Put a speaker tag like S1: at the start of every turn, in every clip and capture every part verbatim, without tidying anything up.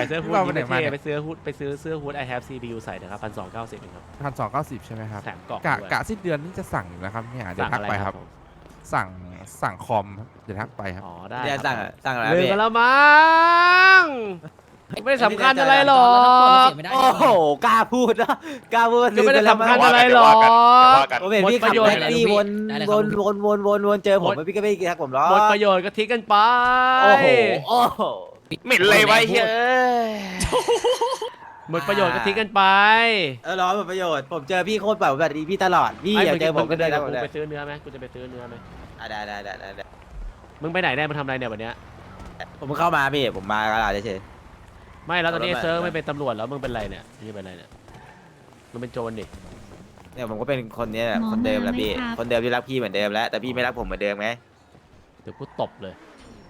S1: เสื้อฮู้ด
S2: เรา
S1: นี่
S2: ไปไหน
S1: ไม่
S2: มา
S1: เท่
S2: เนี่ย
S1: ไปซื้อฮู้ดไปซื้อเสื้อฮู้ด I have ซี พี ยู ใส่นะครับพันสองเก้าสิบครับ
S2: พันสองเก้าสิบใช่ไหมครับ
S1: แถมกล่อง
S2: กะ
S1: ด้วย
S2: กะสิ้นเดือนนี่จะสั่งอยู่นะครับเนี่ยเดี๋ยว
S1: สั่ง
S2: ทัก
S1: อะไร
S2: ไป
S1: ค
S2: ค
S1: รั
S2: รั
S1: บบ ผม
S2: สั่งสั่งคอมครับเดี๋ยวทักไปครับ
S1: อ๋อได้
S3: เดี๋ยว
S1: ค
S3: สั่
S1: รั
S3: ง
S1: บ
S3: อะสั่งอะไร
S1: ลืม
S3: พี่
S1: ไปแล้วมั้งไม่สำคัญอะไรหรอก
S3: โอ้โหกล้าพูดนะกล้าพูด
S1: ก็ไม่ได้
S3: ลืป
S1: สำคัญ
S3: แล้ว
S1: อะไรหรอก
S3: ผมเห็นพี่
S1: หมดป
S3: ขับ
S1: ระโยชน์
S3: แท็กซี่วนวนวนวนวนวนเจอผมพี่ก็ไม่ทักผมหรอก
S1: หมดประโยชน์ก็ทิ้งกันไป
S3: โอ้โหโอ้โห
S4: เหม็นเลยไว้เฮ้ย
S1: หมดประโยชน์ก็ทิ้งกันไป
S3: เออร้อนหมดประโยชน์ผมเจอพี่โคตรแบบแบบนี้พี่ตลอดพี่
S1: ไอ้
S3: อยาก
S1: มึง
S3: เจอผมก็เดิน
S1: มึ
S3: กับ
S1: ง
S3: ผมเลย
S1: ไปซื้อเนื้อไหมกูจะไปซื้อเนื้อไหม
S3: อ่ะได้ได้ได้ได้ได้
S1: มึงไปไหนได้มาทำอะไรเนี่ยวันเนี้ย
S3: ผมเพิ่งเข้ามาพี่ผมมากระดาษเฉย
S1: ไม่แล้วตอนนี้
S3: เอาแล้ว
S1: เซิร์ฟ
S3: ไม่
S1: ไม่เป็นตำรวจแล้วมึงเป็นไรเนี่ยนี่เป็นไรเนี่ยมึงเป็นโจรดิ
S3: ๆเนี่ยผมก็เป็นคนเนี้ยแหละ
S5: หมอ
S3: คนเดิมแหละ
S5: มาไหม
S3: พี่
S5: ครับ
S3: คนเดิมที่รักพี่เหมือนเดิมแล้วแต่พี่ไม่รักผมเหมือนเดิมไง
S1: เดี๋ยวกูตบเลย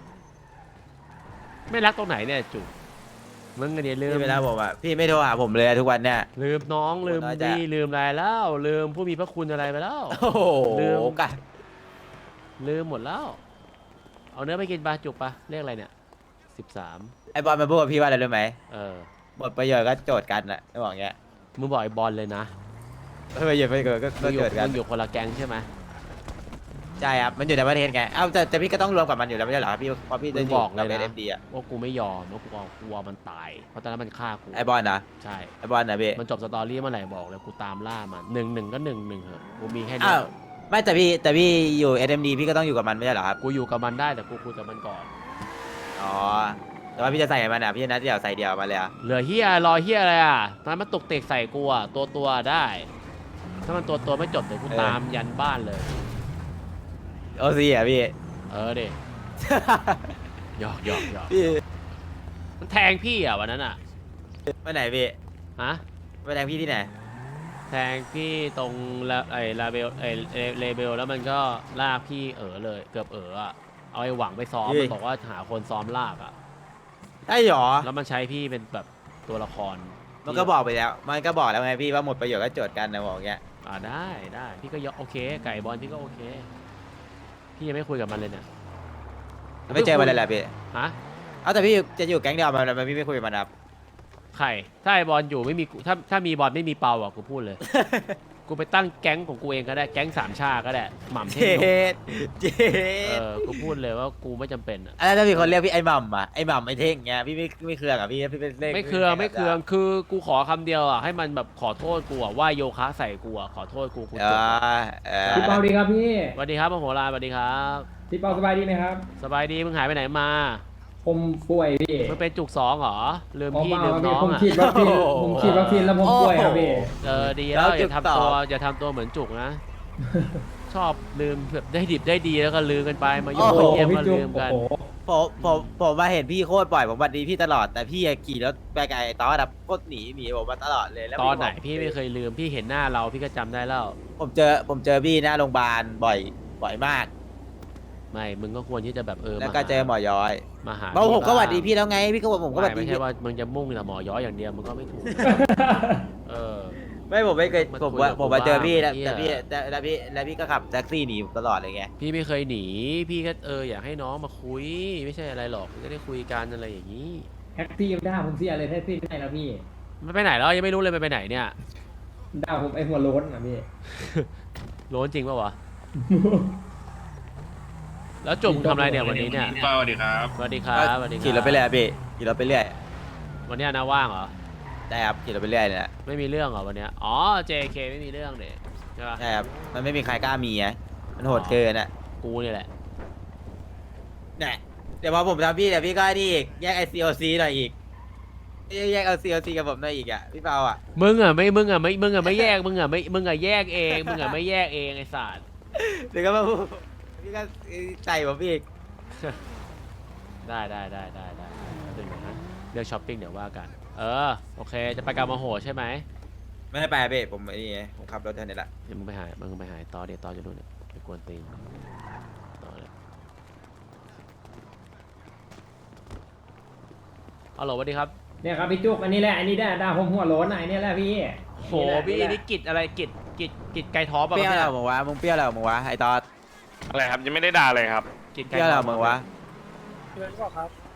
S1: ไม่รักตรงไหนเนี่ยจุกมึงอันนี้ลืม
S3: พี่ไม่รักผมอ่ะพี่ไม่โทรหาผมเลยทุกวันเนี่ย
S1: ลืมน้องลืม
S3: น้อยใจ
S1: ดีลืมอะไรแล้วลืมผู้มีพระคุณอะไรไปแล้ว
S3: โอ้โห
S1: ลืม
S3: กัน
S1: ลืมหมดแล้ว เอาเนื้อไปกินปลาจุกปะเรียกอะไรเนี่ยสิบสาม
S3: ไอ้บอลมาพูดกับพี่ว่าอะไรรู้ไหม
S1: เออ
S3: หมดประโยชน์ก็โจทย์กันแหละไม่บอกอย่างเงี้ย
S1: มึงบอกไอ้บอลเลยนะ
S3: ไม่ประโยชน์ไม่เกิดก็
S1: มึ
S3: ก็
S1: งอยู่
S3: โจทย์กัน
S1: มึงอยู่คนละแก๊งใช่ไหม
S3: ใช่ครับมันอยู่ในประเทศไงเอ้าแต่แต่พี่ก็ต้องรวมกับมันอยู่แล้วไม่ใช่เหรอครับพี่เพราะพี่จะอยู่กับเอ็มดีอ่ะ
S1: ว่ากูไม่ยอมว่ากูกลัวมันตาย เพราะตอนนั้นมันฆ่ากู
S3: ไอ้บอลนะ
S1: ใช่
S3: ไอ้บอลนะพี่
S1: มันจบสตอรี่เมื่อไหร่บอกเลยกูตามล่ามันหนึ่งหนึ่งก็หนึ่งหนึ่งเหอะกูมีแค่นี้
S3: อ้าวไม่แต่พี่แต่พี่อยู่เอ็มดีพี่ก็ต้องอยู่กับมันไม่ใช่เหรอครับ
S1: กูอยู่กับมันได้แต่กูคุยกับมันก่อน
S3: อ๋อแต่ว่าพี่จะใส่มันอ่ะพี่จะนัดเดียวใส่เดียวมาเลยอ่ะ
S1: เหลือเฮียรอเฮียอะไรอ่ะมันมาตกเตกใส่กูอ่ะตัวตัวได้ ถ้ามันตัวตัวไม่จบเดี๋ยวกูตามยันบ้านเลย
S3: โอซีอ่ะพี่
S1: เออเด็หยอกหยอกหยอก
S3: พี่
S1: มันแทงพี่อ่ะวันนั้นอ่ะ
S3: ไปไหนพี่
S1: ฮะ
S3: ไปแทงพี่ที่ไหน
S1: แทงพี่ตรงละไอ้ลาเบลไอ้เลเบลแล้วมันก็ลากพี่เออเลยเกือบเอออ่ะเอาไอ้หวังไปซ้อม
S3: เฮ้ย
S1: มันบอกว่าหาคนซ้อมลากอ่ะ
S3: ไอ้หรอ
S1: แล้วมันใช้พี่เป็นแบบตัวละคร
S3: มันก็บอกไปแล้ว มันก็บอกแล้วไงพี่ว่าหมดประโยชน์ก็โจทย์กันนะบอกอย่างเงี้ย
S1: อ่าได้ได้พี่ก็ยกโอเค ไก่บอลพี่ก็โอเค พี่ยังไม่คุยกับมันเลยเนี่ย
S3: ไม่เจอมันเลยแหละพี่
S1: ฮะ
S3: เอาแต่พี่จะอยู่แก๊งเดียวมันมันพี่ไม่คุยกับมันครับ
S1: ใครถ้าไอบอลอยู่ไม่มีกูถ้าถ้ามีบอลไม่มีเปาอ่ะกูพูดเลย กูไปตั้งแก๊งของกูเองก็ได้แก๊งสามชาก็ได้หม่ำเท
S3: เจ็
S1: พ
S3: ดเจ็
S1: เอ
S3: ด
S1: อกูพูดเลยว่ากูไม่จำเป็นอ่ะ
S3: แล้วถ้ามีคนเรียกพี่ไอ้หม่ำอ่ะไอ้หม่ำไอ้เท่งเงี้ยพี่ไม่ไม่เครืองอ่ะพี่พี่เป็นเลข
S1: ไม่เคืองไม่เคืองคือกูขอคำเดียวอ่ะให้มันแบบขอโทษกูอ่ะว่าโยคะใส่กูอ่ะขอโทษกูกู
S3: เอ
S1: จบ
S3: อเออ
S6: พี่เปาดีครับพี่
S1: สวัสดีครับมโหฬารสวัสดีครับ
S6: พี่เปาสบายดีไหมครับ
S1: สบายดีมึงหายไปไหนมา
S6: ผมป่วยพี่
S1: มึงเป็นจุกสองเหรอลืม
S6: ผม
S1: พี่
S6: เปล่า
S1: ลืม
S6: ครับ
S1: น้
S6: พี่
S1: อง
S6: ผม
S1: อ่ะ
S6: ฉีดวัคซีนผมฉีดวัคซีนแล้วผมป่วยครับพี่
S1: เออดีแล้วอย่าทำตัวอย่าทำตัวเหมือนจุกนะ ชอบลืมแบบได้ดิบได้ดีแล้วก็ลืมกันไปมาโย
S6: โอ้
S1: น
S6: โห
S1: เยี่ยม
S6: พี่
S1: ก็
S6: จุ๊
S1: ลื
S6: บ
S1: ม
S6: โอ้
S1: กัน
S6: โห
S3: ผมผมผมมาเห็นพี่โคตรบ่อยผมบัดดีพี่ตลอดแต่พี่ขี่รถไปไกลตอนดับโคตรหนีหนีผมมาตลอดเลยแล้ว
S1: ตอนไหน
S3: ผม
S1: พี่ไม่เคยลืมพี่เห็นหน้าเราพี่ก็จำได้แล้ว
S3: ผมเจอผมเจอพี่หน้าโรงพยาบาลบ่อยบ่อยมาก
S1: ไม่มึงก็ควรที่จะแบบเออ
S3: แล้ว
S1: มา
S3: ก็
S1: หา
S3: เจอหมอย้อย
S1: มาหา
S3: เพราะผมก็หวัดดี
S1: บ้าง
S3: พี่แล้วไงพี่ก็บอกผมก็หวัด
S1: ไม่
S3: ดี
S1: ไม่
S3: พี่
S1: ใช่ว่ามึงจะมุ่งแต่หมอย้อยอย่างเดียวมึงก็ไม่ถูก เออ
S3: ไม่ผมไม่เคย
S1: มา
S3: ผม
S1: คุย
S3: ว่า
S1: กับ
S3: ผมมา
S1: กู
S3: เจอพี่
S1: บ้าง
S3: แล้ว
S1: เหี้ย
S3: แต่พี่แต่แล้วพี่แล้วพี่ก็ขับแท็กซี่หนีผมตลอดเลยไง
S1: พี่ไม่เคยหนีพี่ก็เอออยากให้น้องมาคุยไม่ใช่อะไรหรอกจะได้คุยกันอะไรอย่างนี้
S6: แท็กซี่ด่าผมเสียเลยแท็กซี่ไม่ได้แล้วพี่
S1: มันไปไหนแล้วยังไม่รู้เลยมันไปไหนเนี่ย
S6: ด่าผมไอ้หัวโล้นอ่ะพี่
S1: โล้นจริงปะวะ แล้วจุ่มทำอะไรเนี่ยวันนี้เนี่ย
S4: สวัสดีครับ
S1: สวัสดีครับสวัสดีครับ
S3: ขี่รถไปเรื่อยพี่ขี่รถไปเรื่อย
S1: วันเนี้ยนะว่างเหรอ
S3: ได้ครับขี่รถไปเรื่อยเนี่ย
S1: ไม่มีเรื่องเหรอวันเนี้ยอ๋อ เจ เค ไม่มีเรื่องเด็ใช่ปะ
S3: ใช่ครับมันไม่มีใครกล้ามีไงมันโหดเกินอ่ะ
S1: กูนี่แหละ
S3: เนี่ยเดี๋ยวพอผมทำพี่เดี๋ยวพี่ก็นี่อีกแยกไอซีโอซีหน่อยอีกแยกไอซีโอซีกับผมหน่อยอีกอ่ะพี่เปาอ่ะ
S1: มึงอ่ะไม่มึงอ่ะไม่มึงอ่ะไม่แยกมึงอ่ะไม่มึงอ่ะแยกเองมึงอ่ะไม่แยกเองไอ้สัตว์
S3: เดี๋ยวก็มาพูดพี่ก็ใส่ผมอีก
S1: ได้ได้ได้ได้ได้เดี๋ยวนะเรื่องช้อปปิ้งเดี๋ยวว่ากัน เออโอเคจะไปกามาโหใช่ไหม
S3: ไม่ได้ไปเบ้ผมไอ้นี่ไงผมขับรถเท่านี้แหละ
S1: เดี๋ยวมึงไปหามึงไปหาต่อเดี๋ยวต่อจะดูเนี่ยไปกวนตีนต่อเลยฮัลโหลสวัสดีครับ
S6: เนี่ยครับพี่จุกอันนี้แหละอันนี้ได้ด่าผมหัวโล้นอ่ะอันนี้แหละพี่
S1: โหพี่นี่กิจอะไรกิจกิจกิจไก่ท้อป่ะ
S3: เปรี้ยว
S1: นี่
S3: แล้วมึงวะมึงเปรี้ยวแล้วมึงวะไอ้ตอด
S4: อะไรครับยังไม่ได้ด่าเลยครับ
S1: กิจ
S3: เป
S1: ไก่
S3: รี้ยว
S1: ท้
S3: แล้
S1: อ
S3: วมึงวะ
S1: ฮ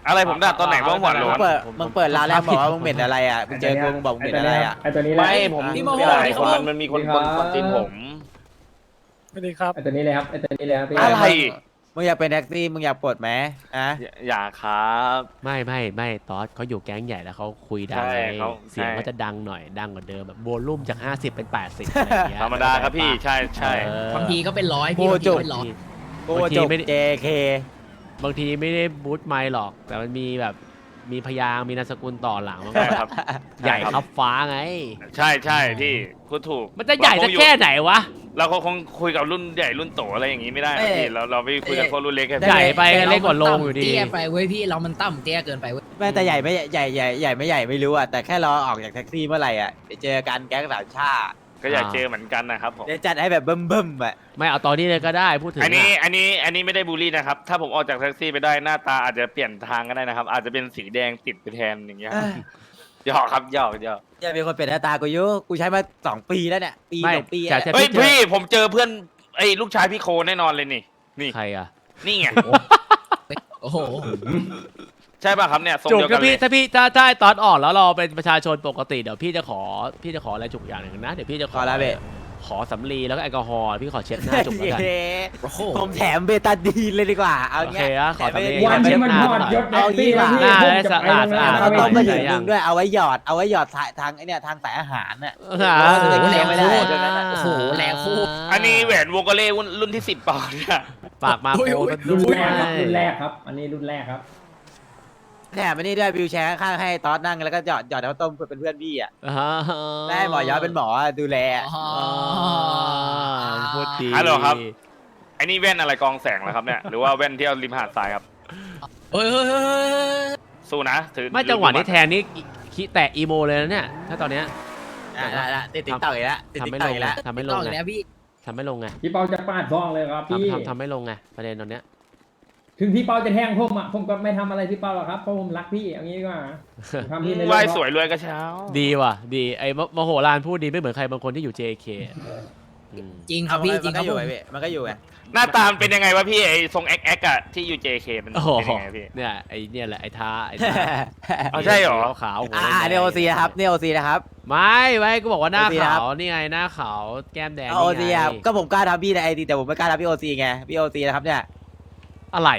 S4: อะไรผมด่าตอนไหนว่าหัวโล้
S3: มึง
S4: น
S3: เปิดมึงเปิดร้านแล้วบอกว่ามึงเหม็นอะไรอ่ะมึงเจอกูมึงบอกมึงเหม็นอะไรอ่ะ
S6: ไอตัวนี้แหละ
S4: ไม่ผม
S3: พี่
S4: พี่
S3: โม
S4: โม
S3: โห
S4: โหคนมันมันมีคนคนคนตีนผม
S5: สวัสดีครับ
S6: ไอตัวนี้เลยครับไอตัวนี้เลยครับพี่
S4: อะไร
S3: มึงอยากเป็นแท็กซี่มึงอยากปลดไหมอ่ะ
S4: อย่าอย่าครับ
S1: ไม่ไม่ไม่ตอสเขาอยู่แก๊งใหญ่แล้วเขาคุยดัง
S4: ใช่
S1: ไง
S4: เขา
S1: เสียง
S4: ใช่
S1: ก็จะดังหน่อยดังกว่าเดิมแบบโวลุ่มจากห้าสิบเป็นแปดสิบอะไรอย่างเงี้ย
S4: ธรรมดาครับพี่ใช่ใช่
S1: เออบ
S7: างทีก็เป็นร้อย
S3: โอ้
S7: พี่บางที
S3: จุก
S7: ก็เป็นร้อย
S3: กู
S1: บางที
S3: จบ
S1: ไม่ได้
S3: เจ เค
S1: บางทีไม่ได้บูทไมค์หรอก แต่มันมีแบบมีพยางค์มีนามสกุลต่อหลังมันก็
S4: ใช่
S1: แบบ
S4: ครับ
S1: ใหญ่ครับฟ้าไง
S4: ใช่ใช่พี่พูดถูก
S1: มันจะใหญ่สักแค่ไหนวะ
S4: เราคงคุยกับรุ่นใหญ่รุ่นโตอะไรอย่างงี้ไม่ได้นะพี่เราเราไปคุยกับพวกรุ่นเล็กแค่
S1: ใหญ่ไปกันเล็กกว่าโลงอยู่ดี
S7: เตี้ยไปเว้ยพี่เรามันต่ำเตี้ยเกินไปเว้ย
S3: แม่แต่ใหญ่ไม่ใหญ่ใหญ่ใหญ่ใหญ่ไม่ใหญ่ไม่รู้อ่ะแต่แค่รอออกจากแท็กซี่เมื่อไหร่อ่ะไปเจอกันแก๊งสามชาติ
S4: ก็อยากเจอเหมือนกันนะครับผม
S3: เดี๋ยวจัดให้แบบเบิ่มๆอ่ะ
S1: ไม่เอาตอนนี้เลยก็ได้พูดถึง
S4: อันนี้
S1: อะ
S4: อันนี้อันนี้ไม่ได้บูลลี่นะครับ ถ้าผมออกจากแท็กซี่ไปได้หน้าตาอาจจะเปลี่ยนทางก็ได้นะครับ อาจจะเป็นสีแดงติดไปแทนอย่างเงี้ยครับหยอกครับหยอกหยอก
S3: อย่าเป็นคนเป็นหน้าตากูอยุกูใช้มาสองปีแล้วเนี่ยปี
S1: ไม่
S3: สองปี
S1: จะ
S3: อะ
S1: จะ
S4: เฮ้ย
S1: พี่เจอ
S4: พี่ผมเจอเพื่อนไอ้ลูกชายพี่โคแน่นอนเลยนี่นี่
S1: ใครอะ
S4: นี่ไง
S7: โอ้โห
S4: ใช่ป่ะครับเนี่ยทรง
S1: จุก
S4: เดียวกั
S1: ถ้าน
S4: เล
S1: พี่
S4: ย
S1: ถ้าพี่ถ้าถ้าตอนออกแล้วเราเป็นประชาชนปกติเดี๋ยวพี่จะขอพี่จะขออะไรจุกอย่างหนึ่งนะเดี๋ยวพี่จะข
S3: ข
S1: อ
S3: อละเบะ
S1: ขอสำลีแล้วก็แอลกอฮอล์พี่ขอเช็ดหน้าจุกแล้วกัน
S3: เย้
S7: โอ้โห
S3: ผมแถมเบตาดีนเลยดีกว่า เอา
S1: โอ
S3: เงี้
S1: เค
S3: ย
S1: อะขอ
S3: แถม
S1: สำลี
S3: เบ
S6: วัน
S3: ตา
S6: ที่
S3: ดี
S6: มันหอดยศแท็กซี่แล้วพี่
S1: หน้า
S6: ผม
S1: ได้
S6: จะ
S1: สะ
S6: ไป
S1: อาด
S6: ตรงนั้น
S1: สะอาด
S3: เขาต้องมา
S6: ไป
S3: ถึงมึงด้วยเอาไว้หยอดเอาไว้หยอดทางทางไอเนี่ยทางสายอาหารน่ะ
S1: อ่า
S3: โอ้โหแรงไม่ได้
S7: โอ้โหแรงโคตร
S4: อันนี้แหวนวงโกเล่รุ่นที่สิบเปล่าเนี่ย
S1: ปากมาโคกันด้
S6: รุ่น
S1: วย
S6: แรกครับรุ่นแรกครับ อันนี้รุ่นแรกครับ
S3: แถมอันนี้ด้วยวิวแชร์ข้างๆให้ตอสนั่งแล้วก็หยอดหยอดน้ำต้มเป็นเพื่อนพี่อ่ะ
S1: อ่า
S3: ได้หมอยอดเป็นหมอดูแล
S7: อ๋อ
S1: อ่าพูดดี
S4: ฮัลโหลครับอันนี้แว่นอะไรกองแสงเหรอครับเนี่ยหรือว่าแว่นที่เอาริมหาดทรายครับ
S7: เฮ้ยเฮ้ยเฮ้ยเฮ้ย
S4: สู้นะถือ
S1: ไม่จังหวะนี้แทนนี่คิแตะอีโมเลยนะเนี่ยถ้าตอนเนี้ย
S3: อ่ะละละติดติ๊กต่อยแล้วติด
S1: ทำ
S3: ติ๊ก
S1: ไม่
S3: ต่
S1: ล
S3: อย
S1: ง
S3: แล้ว
S1: ทำไม่ล
S7: ต้อง ง
S1: ไง
S7: แล้วพี่
S1: ทำไม่ลงไง
S6: พี่เปาจะปาดซองเลยครับพี่
S1: ทำทำทำไม่ลงไงประเด็นตอนเนี้ย
S6: ถึงพี่เปาจะแทงผมอ่ะผมก็ไม่ทำอะไรพี่เปาหรอกครับเพราะผมรักพี่อย่างนี้ดีกว่าผมทำพี่ใน
S4: ไหว
S6: เรื่อง
S4: สวยรวยกระเช้า
S1: ดีว่ะดีไอ้มมโหฬารพูดดีไม่เหมือนใครบางคนที่อยู่ เจ เค อืม
S7: จริงครับพี่จริ
S3: มัน
S7: งค
S3: ก็
S7: รับ
S3: อยู่
S7: ผม
S3: ไงพี่มันก็อยู่ไง
S4: หน้าตามนเป็นยังไงวะพี่ไอ้ทรงแอ็กแอ็กอะที่อยู่ เจ เค มัน
S1: โอ้โห
S4: เป็นยังไงพี่
S1: เนี่ยไอ้เนี่ยแหละไอ้ท้าไอ้ท้า
S4: เอาใช่เหรอ
S1: ขาวๆหัว
S3: อ่า
S1: แดงๆ
S3: เนี่ยโอซีนะครับเนี่ยโอซีนะครับ
S1: ไม่ไม่ก็บอกว่าหน้า
S3: โอซีนะครั
S1: ขา
S3: บ
S1: วนี่ไงหน้าขาวแก้มแดง
S3: โอ
S1: นี่
S3: ซี
S1: ไง
S3: ครับก็ผมกล้าทำพี่ในไอดีแต่ผมไม่กล้าทำพี่โอซีไงพี่โอซีนะครับเนี่ย
S1: อะไร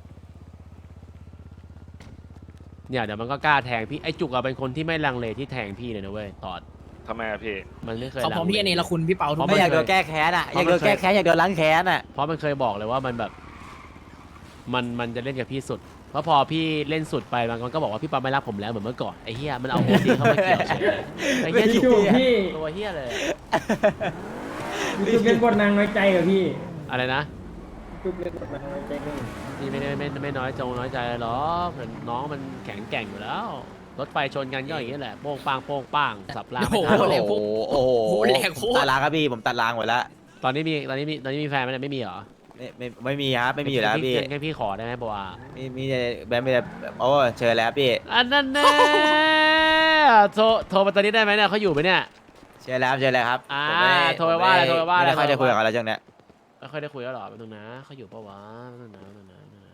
S1: เนี่ยเดี๋ยวมันก็กล้าแทงพี่ไอ้จุกอะเป็นคนที่ไม่ลังเลที่แทงพี่เลยนะเว้ยตอด
S4: ทำไมอะพี่
S1: มันไม่เคย
S7: เขา
S1: ลัง
S7: พร้อม
S1: เล
S7: พี่เนรคุณพี่เปาทุก
S1: เพ
S3: ไม่
S1: ราะ
S3: อยาก
S1: เค
S3: โด
S1: ย
S3: นแก้แค้นอ่ะ
S1: เพ
S3: อยา
S1: ราะ
S3: ก
S1: มัน
S3: โดนแก้
S1: เคย
S3: แค้นอยากโดนล้างแค้นอ่ะ
S1: เพราะมันเคยบอกเลยว่ามันแบบ มันมันจะเล่นกับพี่สุด เพราะพอพี่เล่นสุดไปมันก็บอกว่าพี่ปาไม่รักผมแล้วเหมือนเมื่อก่อนไอ้เฮียมันเอาโอซีเข้ามาเกี่ยวเฉยเลยไอ้เฮีย
S6: พี่
S1: จุ
S6: จุ
S1: ก
S6: กพี่
S1: ตัวเฮียเลย
S6: พี่จุกเล่นบทนางน้อยใจกับพี่
S1: อะไรนะ
S6: จุกเล่นบทนางน้อยใจกับพี่
S1: พี่ไม่ได้ไม่ไม่น้อยจงน้อยใจหรอกเหมือนน้องมันแข็งแกร่งอยู่แล้วรถไฟชนกันก็อย่างนี้แหละโป้งปังโป้งปังสับราง
S7: โอ้
S1: ไม่
S7: โห
S1: ทัน
S7: แรงโค
S3: โอ้
S7: ตร
S3: โห
S7: โอ้โหแรงโคตร
S3: ตัดล้างครับพี่ผมตัดล้างหมดแล้ว
S1: ตอนนี้มีตอนนี้มีตอนนี้มีแฟนไหมเนี่ยไม่มีเหรอ
S3: ไม่ไม่ไม่มีครับไม่มีอยู่แล้วพี่
S1: งั้นพี่ขอได้ไหมบัว
S3: มีมีแบมมีแต่โอ้เชิญแล้วพี่
S1: อันนั้นแน่โทรโทรมาตอนนี้ได้ไหมเนี่ยเขาอยู่ไหมเนี่ย
S3: เชิญแล้วเชิญแล้วครับ
S1: อ่า
S3: ผมม่
S1: โทรไปว่าอะไร
S3: ผมม่
S1: โทรไปว่าอะไร
S3: ไม่ค่อยได้คุยกับเขาแล้วจังเนี้ย
S1: ไม่ค่อยได้คุยแล้วหรอเป็นตรงนะเขาอยู่ปะวะเป็นตรงนะเป็นตรงนะเป็นตรงนะ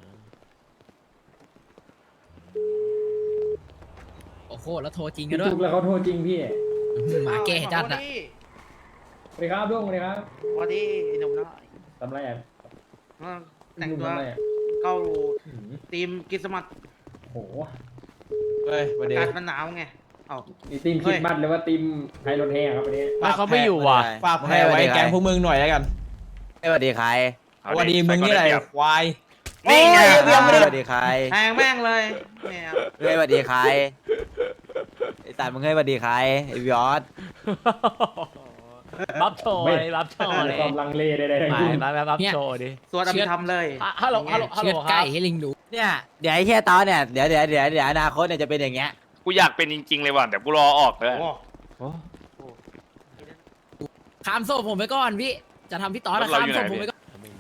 S7: โอ้โหแล้วโทรจริงกั
S6: พี่
S7: นด้วย
S6: จุกแล้วเขาโทรจริงพี่
S7: หมาแก่จัดอะ
S6: สวัสดีครับลุงสวัสดีครับ
S8: สวัสดีหนุ่มน้อย
S6: ทำไรอ่ะ
S8: แต่ง
S6: ลุง
S8: ตัว
S6: ทำไรอ่ะ
S8: เข้า
S6: หืม
S8: ทีมกิสมัต
S6: โห
S3: เฮ้ยวัน
S8: อา
S3: นี้
S8: กาศมันหนาวไงเอ้า
S6: นี่ทีมคิดบัตรหรือว่าทีมไทยรถแห่ครับวันนี้
S1: ไม่เขาไม่อยู่ว่ะ
S3: ฝากแพ้ไว้แกงพวกมึงหน่อยแล้วกันสวัสดีใคร
S4: เอา
S3: สวัสดีมึงนี่อะไร
S4: ใส่ก่อนด้เปรียบ
S3: ควาย
S4: นี่ไง
S3: เบียร์ไม่ได้สวัสดีใคร
S8: แทงแม่งเลยแมว
S3: เฮ้ยสวัสดีใครไอ้ตายมึงเฮ้ยสวัสดีใครไอ้วิออส
S1: บัฟโชว์เลยบัฟโชว์
S6: ไม่
S1: เลย
S6: ความลังเลใดๆทั้ง
S1: ไม่
S6: สิ้น
S1: มาแบบบัฟโชว์ดิ
S8: สวดอภิธรรมเลย
S1: อ่ะฮัลโหลฮัลโหลฮัลโหล
S7: เชือด
S1: ค
S7: ไก่
S1: รับ
S7: ให้ลิงดู
S3: เนี่ยเดี๋ยวไอ้เฮียตอนเนี่ยเดี๋ยวเดี๋ยวเดี๋ยวเดี๋ยวอนาคตเนี่ยจะเป็นอย่างเงี้ย
S4: กูอยากเป็นจริงๆเลยว่ะเดี๋ยวกูรอออกเลย
S8: โอ้
S7: ข้ามโซ่ผมไปก่อนพี่จะทำพี่ต๊อดอะ
S4: รถเรา
S7: ข้าม
S4: อยู่ไหน
S7: โซ่ผมไปก่อน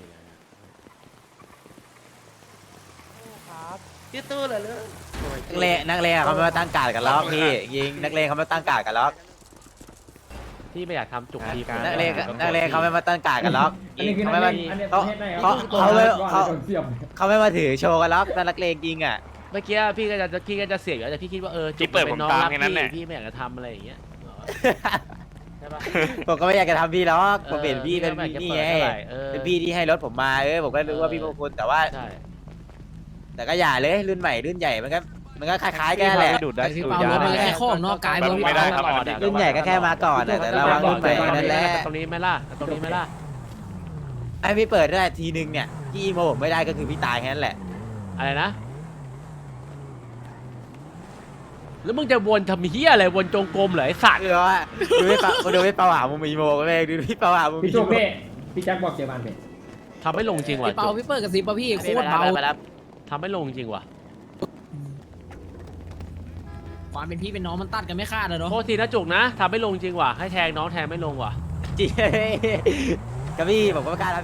S8: ยืดตู้เลยเลย
S3: นักเลงนักเลงอะเขาไม่มาตั้งการดกันล็อกพี่ยิงนักเลงเขาไม่มาตั้งการดกันล็อก
S1: พี่ไม่อยากทำจุกทีม
S3: นักเลงนักเลงเขาไม่มาตั้งการดกันล็อก
S6: อันนี้คือ
S3: เขา
S6: นัก
S3: ไม่
S6: เล
S3: มาง
S6: อันนี้ป
S3: เขา
S6: ระเทศไหนค
S3: เขา
S6: รับ
S3: เขาไม่เขา
S6: โดนเสียบ
S3: เขาไม่มาถือโชว์กันล็อกนักเลงยิงอ่ะ
S1: เมื่อกี้พี่ก็จะพี่ก็จะเสียอยู่แล้วแต่พี่คิดว่าเออ
S4: ที่เปิดผมตามแค่นั้นแหละ
S1: พี่ไม่อยากจะทำอะไรอย่างเงี้ยใช่ปะ
S3: ผมก็ไม่อยากจะทำพี่หรอกผมเห็นพี่เป็น
S1: ออ
S3: พี่
S1: ไม่
S3: นี่
S1: อยากจะ
S3: ไง
S1: เปิดเท่าไหร่เออ
S3: เป็นพี่ที่ให้รถผมมาเออผมก็รู้ว่า
S1: เออ
S3: พี่มงคลแต่ว่า
S1: ใช่
S3: แต่ก็อย่าเลยรุ่นใหม่รุ่นใหญ่มันก็มันก็คล้ายๆกันแหละ
S2: ดูดได้
S7: พี่
S2: ดู
S7: เปา
S2: ด
S7: รถ
S2: ยา
S7: มัน
S2: ได้
S7: แค่ข้องนอกกาย
S4: แบบ
S7: พี่
S4: ไม่ได้
S7: เปา
S4: ครับ
S3: รุ่นใหญ่ก็แค่มาก่อนอะแต่ระวังรุ่นใหม่นั่นแหละ
S1: ตรงนี้ไหม่ล่ะตรงนี้ไหม่ล่ะ
S3: ไอพี่เปิดได้ทีนึงเนี่ยที่อีโมผมไม่ได้ก็คือพี่ตายแค่นั้นแหละ
S1: อะไรนะ แล้วมึงจะวนทำเฮียอะไรวนจงกรมเหรอไอ้สัตว์
S3: คือว่าดูพี่เปาดูพี่เปาหามุมอีโมก็ไม่ดูพี่เปาหามุม
S6: พี่
S3: อี
S6: โจ๊ก
S3: โม
S6: เพ่พี่แจ็คบอกเจอบ้านเพ่
S1: ทำไม่ลงจริงว่ะ
S7: พี่เปาพี่เปิดกับซิปป่ะพี่โคตรเบา
S3: ไปรับ
S1: ทำไม่ลงจริงว่ะ
S7: ความเป็นพี่เป็นน้องมันตัดกันไม่ขาดเลยเนาะ
S1: โทษทีนะจุกนะทำไม่ลงจริงว่ะให้แทงน้องแทงไม่ลงว่ะ
S3: จริงกับพี่ผมก็ไม่กล้าทำ